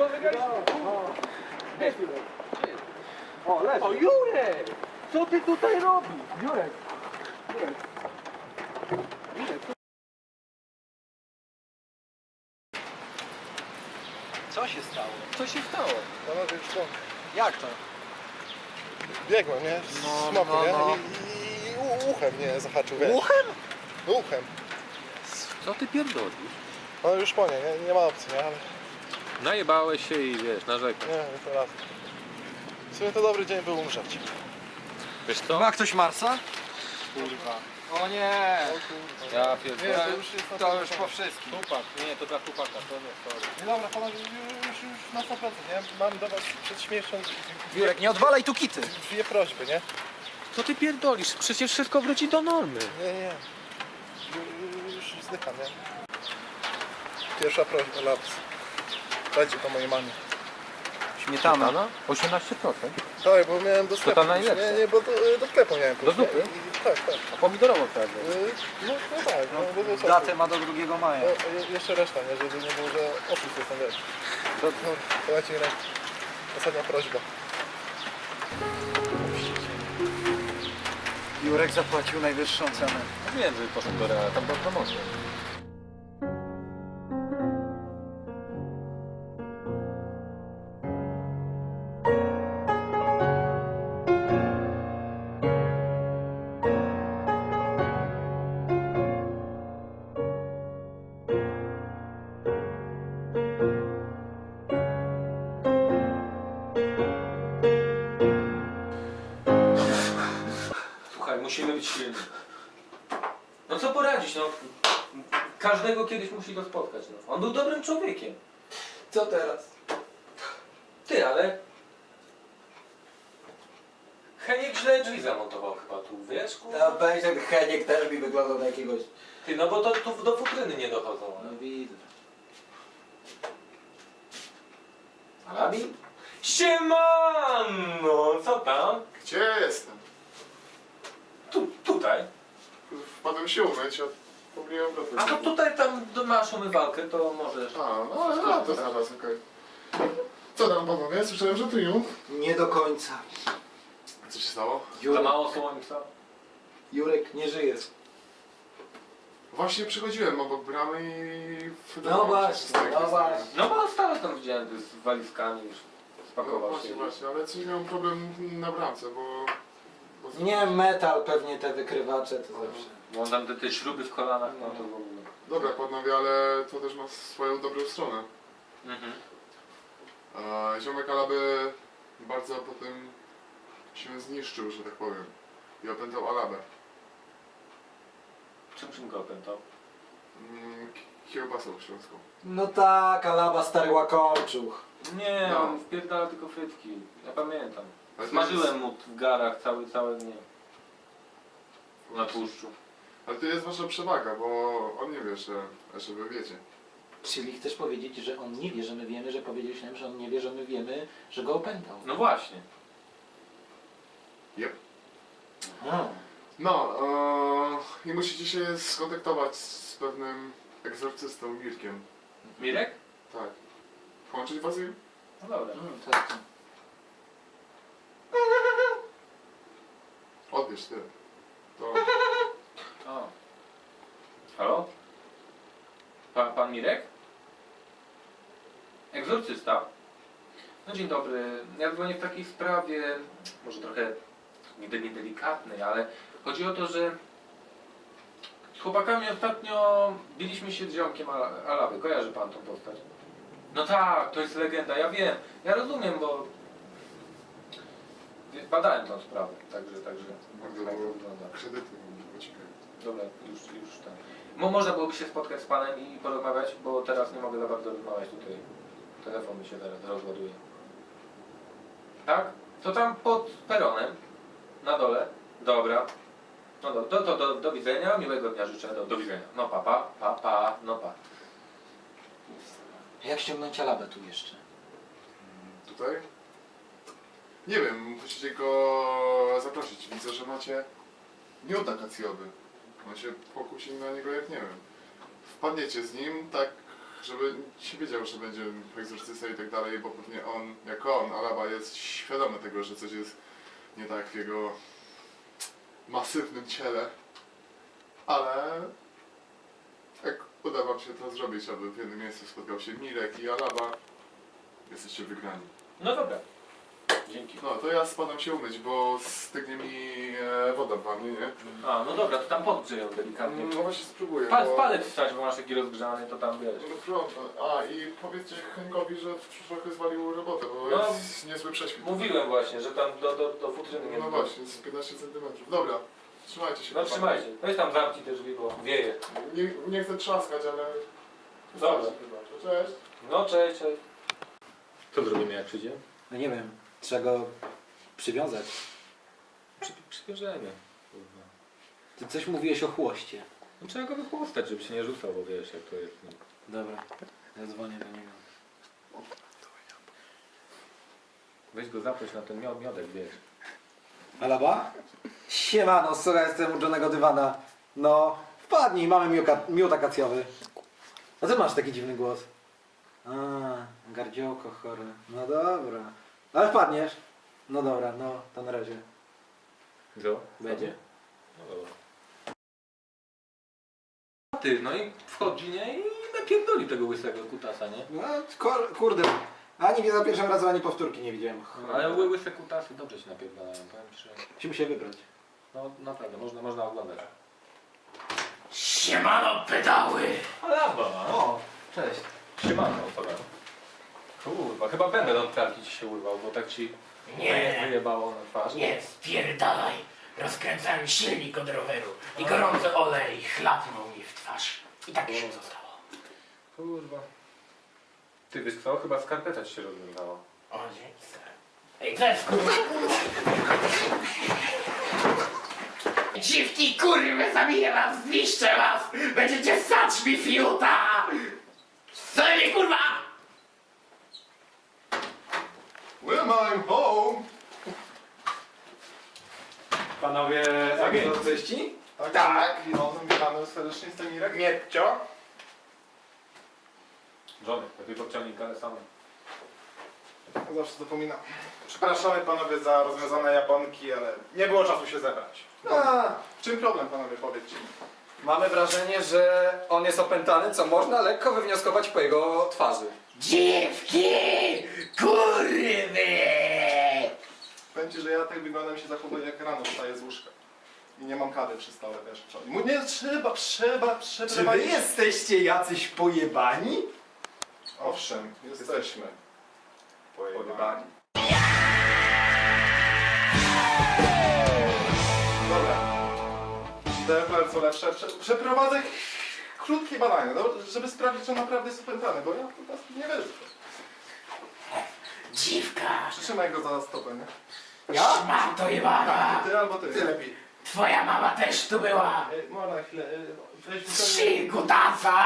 to wygraliśmy. O, leży. O, Jurek! Co ty tutaj robisz? Jurek. Co się stało? Co się stało? Panowie, już po... Jak to? Biegłem, nie? Z smoku, nie? I uchem mnie zahaczył, wiesz? Uchem? Uchem. Co ty pierdolisz? No już po nie ma opcji, nie? Ale Najebałeś się i wiesz, narzekasz. nie, to raz. W sumie to dobry dzień był umrzeć. Wiesz co? Ma ktoś Marsa? Kurwa. O nie! Ja Nie, pierdolę. to już jest na To 100%. już po wszystkim. Chłopak, nie, to dla chłopaka, to nie, sorry. Nie, dobra, panowie, już na 100%, nie? Mam do was przed śmiercią Jurek, nie odwalaj tu kity. dwie prośby, nie? Co ty pierdolisz? Przecież wszystko wróci do normy. Nie. Już zdycham, nie? Pierwsza prośba, laps. Dajcie to mojej mamie. Śmietana? 18%? Tak, bo miałem do sklepu. ta najlepsza. Nie, bo do sklepu miałem pójść, zupy? nie? Tak. A pomidorową trzeba wziąć. No tak, no bo to Datę ma do 2 maja. jeszcze reszta, nie? Żeby nie było, że oszust jestem, wiesz. To- No, słuchajcie, Irek. Ostatnia prośba. Jurek zapłacił najwyższą cenę. Wiem, że poszedł do Reala, tam była promocja. Słuchaj, musimy być silni. No co poradzić, no. Każdego kiedyś musi go spotkać, no. On był dobrym człowiekiem. Co teraz? Ty, ale... Heniek źle drzwi zamontował chyba tu, wiesz, kurwa? Ja pewnie ten Heniek też mi wyglądał na jakiegoś... Ty, no bo to tu do futryny nie dochodzą. No widzę. Alabi? Siemano! Co tam? Gdzie jestem? Tutaj. Wpadłem się umyć, a pomyliłem go. A to tutaj tam masz umywalkę, to możesz. A, no ale no, to zaraz, okej. Co tam panowie? Słyszałem, że triumf. Nie do końca. Co się stało? Za Jurek, mało słońca. Jurek nie żyje. Właśnie przychodziłem obok bramy i... No właśnie, no właśnie. No bo stałeś tam widziałem ty z walizkami już. No Spakował się. właśnie, ale coś miałem problem na bramce, bo... Nie, metal pewnie te wykrywacze to zawsze. Bo on tam te śruby w kolanach, no to w ogóle. Dobra panowie, ale to też ma swoją dobrą stronę. Mhm. Ziomek Alaby bardzo potem się zniszczył, że tak powiem. I opętał Alabę. Czym go opętał? Kiełbasą śląską. No tak, Alaba starła korczuch. Nie, No. on wpierdala tylko frytki. Ja pamiętam. Ale to Smażyłem mu w garach całe dnie. Na jest- tłuszczu. Ale to jest wasza przewaga, bo on nie wie, że wy wiecie. Czyli chcesz powiedzieć, że on nie wie, że my wiemy, że powiedzieliśmy nam, że on nie wie, że my wiemy, że go opętał. No właśnie. Yep. Aha. No, i musicie się skontaktować z pewnym egzorcystą Mirkiem. Mirek? Tak. Połączyć was im? No dobra. Tak. Odbierz ty. To... O. Halo? Pan Mirek? Egzorcysta? No dzień dobry. Ja dzwonię w takiej sprawie, może trochę niedelikatnej, ale chodzi o to, że z chłopakami ostatnio biliśmy się z ziomkiem Alaby. Kojarzy pan tą postać? No tak, to jest legenda, ja wiem. Ja rozumiem, bo badałem tą sprawę, także tak to wygląda. Kredyty uciekają. Dobra, już tak. Można byłoby się spotkać z panem i porozmawiać, bo teraz nie mogę za bardzo rozmawiać tutaj. Telefon mi się zaraz rozładuje. Tak? To tam pod peronem, na dole. Dobra. No do widzenia, miłego dnia życzę, do widzenia. No pa, no pa. Jak ściągnąć Alabę tu jeszcze? Tutaj? Nie wiem, musicie go zaprosić. Widzę, że macie miód akacjowy. On się pokusi na niego jak nie wiem. Wpadniecie z nim, tak żeby się wiedział, że będzie egzorcysta i tak dalej, bo pewnie on, jako on, Alaba jest świadomy tego, że coś jest nie tak w jego masywnym ciele, ale jak uda wam się to zrobić, aby w jednym miejscu spotkał się Mirek i Alaba, jesteście wygrani. No dobra. Dzięki. No to ja spadam się umyć, bo stygnie mi woda w wannie, nie? A, no dobra, to tam podgrzej ją delikatnie. No właśnie spróbuję. Palec wstać, bo masz taki rozgrzany, to tam wiesz. No trudno. A i powiedzcie Henkowi, że trochę zwalił robotę, bo No, jest niezły prześwit. Mówiłem właśnie, że tam do futryny nie No właśnie, z 15 cm. Dobra, trzymajcie się. No chłopaki. trzymajcie. Weź tam zamknij te drzwi, bo wieje. Nie chcę trzaskać, ale... Dobra. Cześć. No cześć, cześć. Co zrobimy jak przyjdzie? No nie wiem, trzeba go przywiązać. Przywiążemy. Kurwa. Ty coś mówiłeś o chłoście. No trzeba go wychłostać, żeby się nie rzucał, bo wiesz jak to jest. No. Dobra, ja dzwonię do niego. Weź go zaproś na ten miodek, wiesz. Alaba? Siemano, słuchaj, jestem u Johnego Dywana. No, wpadnij, mamy miód akacjowy. A ty masz taki dziwny głos. A, gardziołko chore. No dobra. Ale wpadniesz? No dobra, no, to na razie. Co? Będzie. No dobra. Ty, no i wchodzi, nie? I napierdoli tego łysego kutasa, nie? No, kurde. Ani za pierwszym razem, ani powtórki nie widziałem. Ale łyse kutasy dobrze się napierdalają, powiem ci, że... Musimy się wybrać. No naprawdę, można oglądać. Siemano pedały! Alaba! O, cześć. Siemano, dobra. Kurwa, chyba będę od pralki ci się urwał, bo tak ci Nie. wyjebało na twarz. Nie, spierdalaj! Rozkręcałem silnik od roweru i gorący olej chlapnął mi w twarz. I tak się zostało. Kurwa. Ty wiesz co? Chyba skarpeta ci się rozwiązała. O, dzięki stary. Ej, co jest kurwa? Dziwki kurwy, zabiję was, zniszczę was! Będziecie ssać mi fiuta! Co mi kurwa? Well, I'm home! Panowie egzorcyści? Tak. Witamy serdecznie, jestem Mirek. Mietcio. Żony, lepiej podciągnik, ale sam. Zawsze zapominam. Przepraszamy panowie za rozwiązane japonki, ale nie było czasu się zebrać. W czym problem, panowie, powiedzcie mi? Mamy wrażenie, że on jest opętany, co można lekko wywnioskować po jego twarzy. Dziwki! Kurwy! Powiem ci, że ja tak wyglądam się zachowuję, jak rano wstaję z łóżka. I nie mam kawy przy stole, wiesz. Nie, trzeba Czy wy przeprowadzić. jesteście jacyś pojebani? Owszem, jesteśmy. Pojebani. Dobra. DFR co lepsze. Przeprowadzę krótkie badania, żeby sprawdzić, czy on naprawdę jest opętany, bo ja po prostu nie wierzę. Dziwka! Przytrzymaj go za stopę, nie? Szmato jebana! Ty albo ty. Ty lepiej. Twoja mama też tu była! Można na chwilę. Weź mi Trzy kutasa!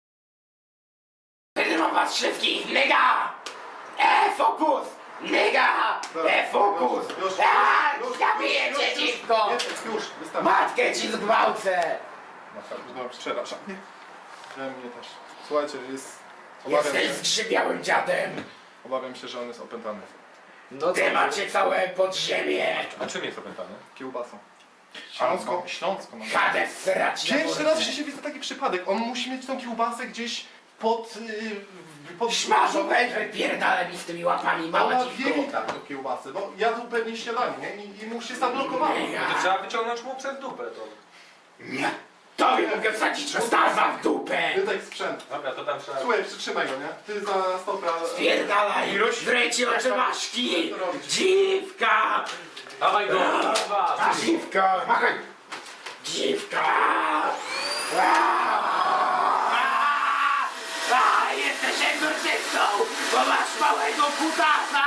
Wydymam was wszystkich, nigga! Fokus! Nigga! Fokus! Zabiję cię, dziwko! Już, wystarczy. Matkę ci zgwałcę! No, przepraszam. Mnie też. Słuchajcie, obawiam Jesteś się, zgrzybiałym dziadem! obawiam się, że on jest opętany. No Ty macie całe podziemie! A czym jest opętany? Kiełbasą. Śląsko. No. Hades srać na Pierwszy mordę. raz w życiu widzę taki przypadek. On musi mieć tą kiełbasę gdzieś pod... Szmarzu, weź wypierdalę mi z tymi łapami, Ona mała wie dziwko! tak tą kiełbasę, bo jadł pewnie śniadanie, nie? I mu się zablokowało. To trzeba wyciągnąć mu przez dupę to. Nie! Tobie mogę wsadzić kutasa w dupę! Wydaj sprzęt. Dobra, to tam trzeba... Słuchaj, przytrzymaj go, nie? Ty za stopę... Spierdalaj! Wręcie oczymaszki! Co robić? Dziwka! Dawaj go! Kurwa! Dziwka! Dziwka! Jesteś egzorcystą! Bo masz małego kutasa!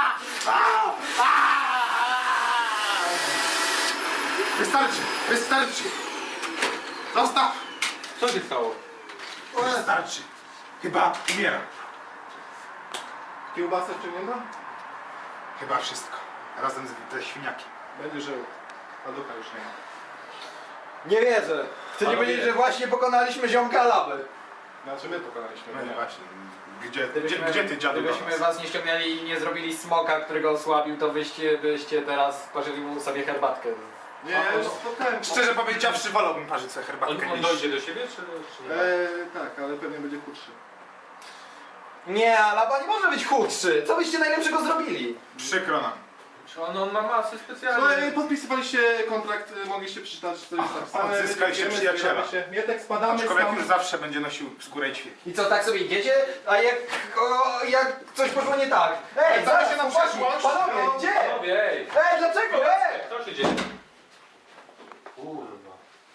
Wystarczy! Zostaw! Co się stało? Wystarczy. Chyba umieram. Kiełbasę wciągnięta? Chyba wszystko. Razem ze świniakiem. Będzie żył. A ducha już nie ma. Nie wierzę. Chcecie Panowie. powiedzieć, że właśnie pokonaliśmy ziomka Laby. Znaczy my pokonaliśmy. No nie. właśnie. Gdzie ty dziadu do Gdybyśmy nas? was nie ściągnęli i nie zrobili smoka, którego osłabił, to byście teraz parzyli mu sobie herbatkę. Nie, ja już spotkałem. Szczerze powiedziawszy, wolałbym parzyć sobie herbatkę On niż... dojdzie do siebie, czy nie? Tak, ale pewnie będzie chudszy. Nie, Alaba nie może być chudszy. Co byście najlepszego zrobili? Przykro nam. Czy on ma masy specjalne? Słuchaj, podpisywaliście kontrakt, mogliście przeczytać, co jest napisane. Odzyskaliście Wiemy, przyjaciela. zbieramy się. Mietek, spadamy Aczkolwiek stąd. już zawsze będzie nosił skórę i ćwieki. I co, tak sobie idziecie? A jak coś poszło nie tak? Ej, Wracamy się na chłopaki, przeszłość. Panowie, No. gdzie? Panowie, ej! Ej, dlaczego? Ej! Co się dzieje? Kurwa.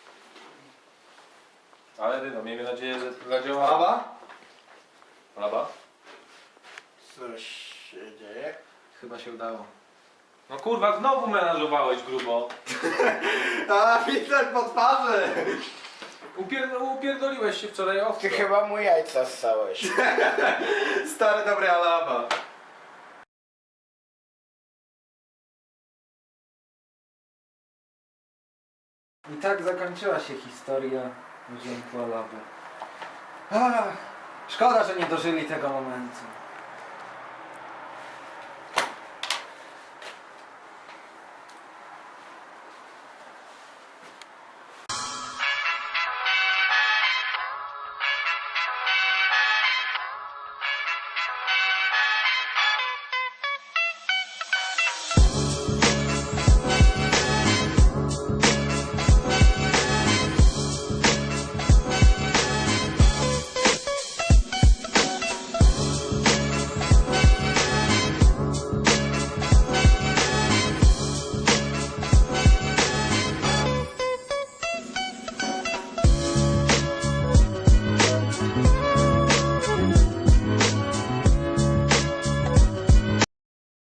Ale no, miejmy nadzieję, że to zadziała. Alaba? Alaba? Coś się dzieje? Chyba się udało. No kurwa, znowu menażowałeś grubo. A, widać po twarzy. Upierdoliłeś się wczoraj ostro. Ty chyba mu jajca ssałeś. Stary dobry Alaba. I tak zakończyła się historia Ziemku Alaby. Ach, szkoda, że nie dożyli tego momentu.